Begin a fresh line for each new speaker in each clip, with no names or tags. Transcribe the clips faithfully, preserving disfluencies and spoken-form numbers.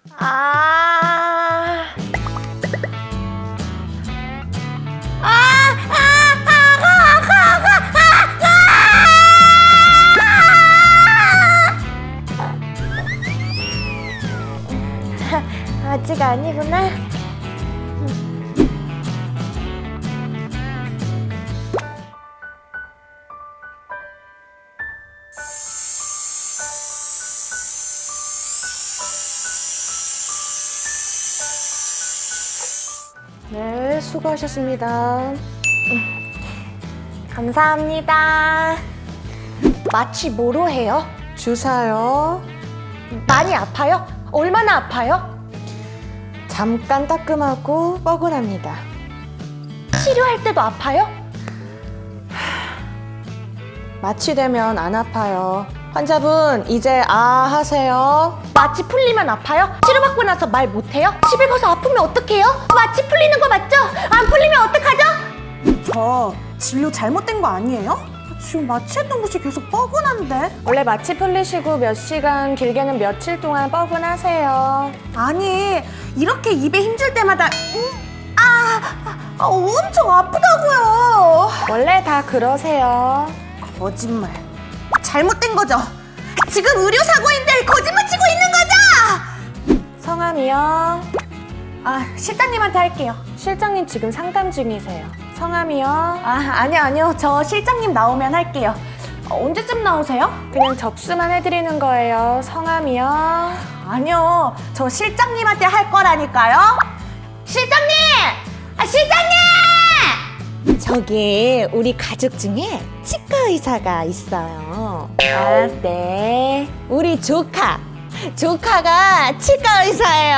아. 아, 아, 아, 아, 아, 아, 아, 아. 아직 아니구나. 네, 수고하셨습니다. 음, 감사합니다. 마취 뭐로 해요? 주사요. 많이 아파요? 얼마나 아파요? 잠깐 따끔하고 뻐근합니다. 치료할 때도 아파요? 마취되면 안 아파요. 환자분, 이제 아 하세요. 마취 풀리면 아파요? 치료받고 나서 말 못해요? 집에 가서 아프면 어떡해요? 마취 풀리는 거 맞죠? 안 풀리면 어떡하죠?
저 진료 잘못된 거 아니에요? 지금 마취했던 곳이 계속 뻐근한데?
원래 마취 풀리시고 몇 시간, 길게는 며칠 동안 뻐근하세요.
아니 이렇게 입에 힘줄 때마다 음, 아, 아 엄청 아프다고요.
원래 다 그러세요.
거짓말. 잘못된 거죠? 지금 의료사고인들 거짓말 치고 있는 거죠?
성함이요?
아 실장님한테 할게요.
실장님 지금 상담 중이세요. 성함이요?
아 아니요 아니요 저 실장님 나오면 할게요. 어, 언제쯤 나오세요?
그냥 접수만 해드리는 거예요. 성함이요?
아니요 저 실장님한테 할 거라니까요. 실장님! 아 실장님!
저기 우리 가족 중에 치과 의사가 있어요. 아, 네. 우리 조카. 조카가 치과 의사예요.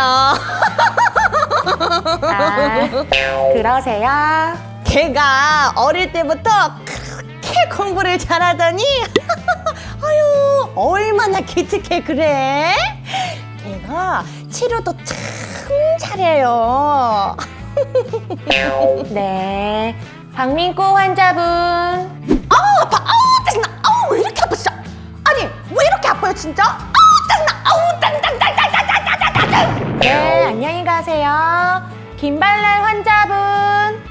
아, 그러세요? 걔가 어릴 때부터 그렇게 공부를 잘하더니 아유 얼마나 기특해 그래? 걔가 치료도 참 잘해요. 네, 박민구 환자분.
아우 아파 아우 짜증나 아우 왜 이렇게 아파 진짜. 아니 왜 이렇게 아파요 진짜. 아우 짜증나 아우 짜증짜증짜증짜증짜증.
네, 안녕히 가세요. 김발랄 환자분.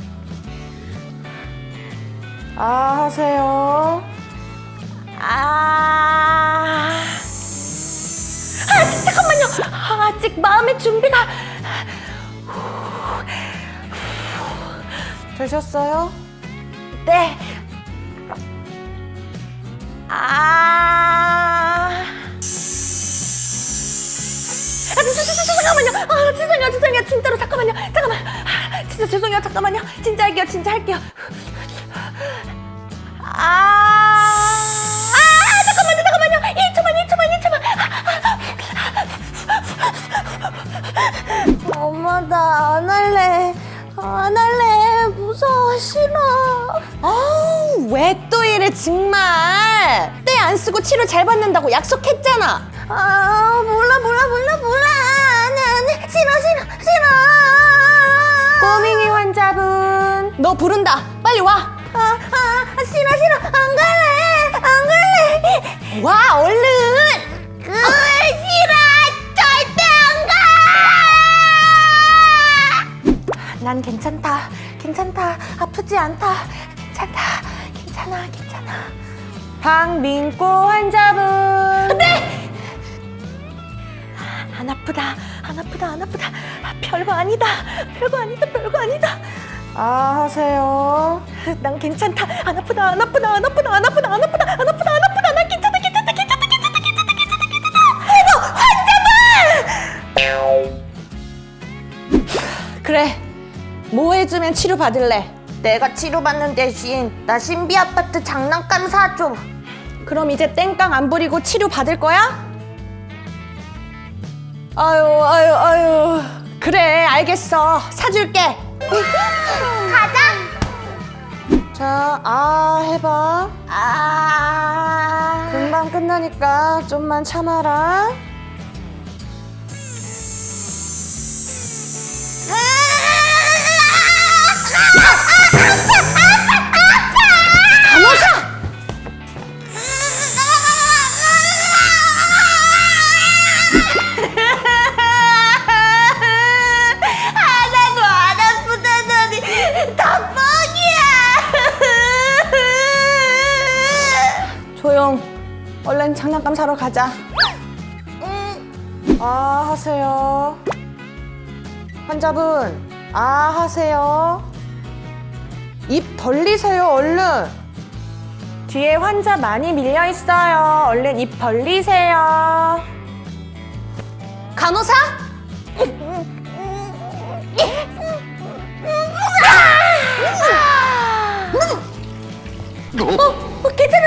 아, 하세요.
아... 아 잠깐만요. 아직 마음의 준비가.
되셨어요?
네. 아... 아, 저, 저, 저, 저, 잠깐만요. 아, 죄송해요, 죄송해요. 진짜로 잠깐만요. 잠깐만. 아, 진짜 죄송해요. 잠깐만요. 진짜 할게요, 진짜 할게요. 아, 아, 잠깐만요, 잠깐만요. 일 초만, 일 초만, 일 초만. 엄마, 나 안 할래. 안 할래. 무서워, 싫어.
아우, 왜 또 이래, 정말. 때 안 쓰고 치료 잘 받는다고 약속했잖아.
아, 몰라, 몰라, 몰라, 몰라. 안 해, 안 해. 싫어, 싫어, 싫어.
꼬밍이 환자분. 너 부른다. 빨리 와.
아, 아, 싫어, 싫어. 안 갈래. 안 갈래.
와, 얼른.
그, 싫어. 절대 안 가.
난 괜찮다. 괜찮다. 아프지 않다. 괜찮다. 괜찮아. 괜찮아. 박민고 환자분.
네.
안 아프다. 안 아프다. 안 아프다. 아, 별거 아니다. 별거 아니다. 별거 아니다. 아, 하세요.
난 괜찮다. 안 아프다. 안 아프다. 안 아프다. 안 아프다. 안 아프다. 안 아프다. 안 아프다. 난 괜찮다. 괜찮다. 괜찮다. 괜찮다. 괜찮다. 괜찮다. 괜찮다. 아이고, 환자분!
그래. 뭐 해주면 치료 받을래?
내가 치료받는 대신 나 신비 아파트 장난감 사줘.
그럼 이제 땡깡 안 부리고 치료 받을 거야? 아유, 아유, 아유. 그래, 알겠어. 사줄게.
가자.
자, 아, 해봐.
아.
금방 끝나니까 좀만 참아라.
간호사!
다음 사러 가자. 아 하세요. 환자분 아 하세요. 입 벌리세요 얼른. 뒤에 환자 많이 밀려 있어요. 얼른 입 벌리세요. 간호사? 어, 어, 괜찮아